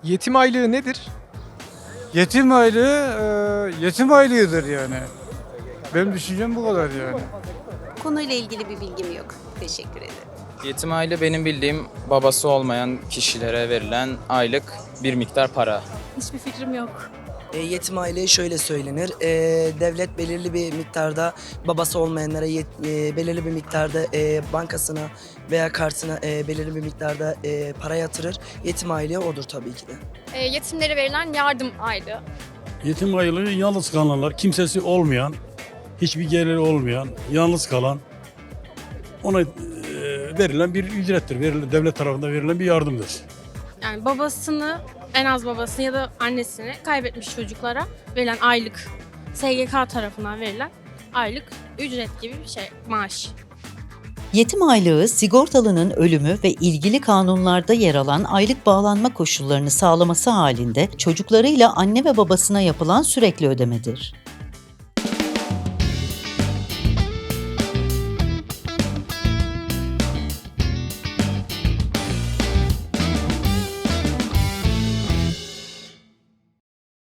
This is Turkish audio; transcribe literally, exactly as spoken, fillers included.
Yetim aylığı nedir? Yetim aylığı, e, yetim aylığıdır yani. Benim düşüncem bu kadar yani. Konuyla ilgili bir bilgim yok. Teşekkür ederim. Yetim aile benim bildiğim babası olmayan kişilere verilen aylık bir miktar para. Hiçbir fikrim yok. E, yetim aileye şöyle söylenir. E, devlet belirli bir miktarda babası olmayanlara yet- e, belirli bir miktarda e, bankasına veya kartına e, belirli bir miktarda e, para yatırır. Yetim aileye odur tabii ki de. E, yetimlere verilen yardım aylığı. Yetim aylığı yalnız kalanlar, kimsesi olmayan, hiçbir geliri olmayan, yalnız kalan, ona e, verilen bir ücrettir. Verilen, devlet tarafından verilen bir yardımdır. Yani babasını, en az babasını ya da annesini kaybetmiş çocuklara verilen aylık, S G K tarafından verilen aylık ücret gibi bir şey, maaş. Yetim aylığı, sigortalının ölümü ve ilgili kanunlarda yer alan aylık bağlanma koşullarını sağlaması halinde çocuklarıyla anne ve babasına yapılan sürekli ödemedir.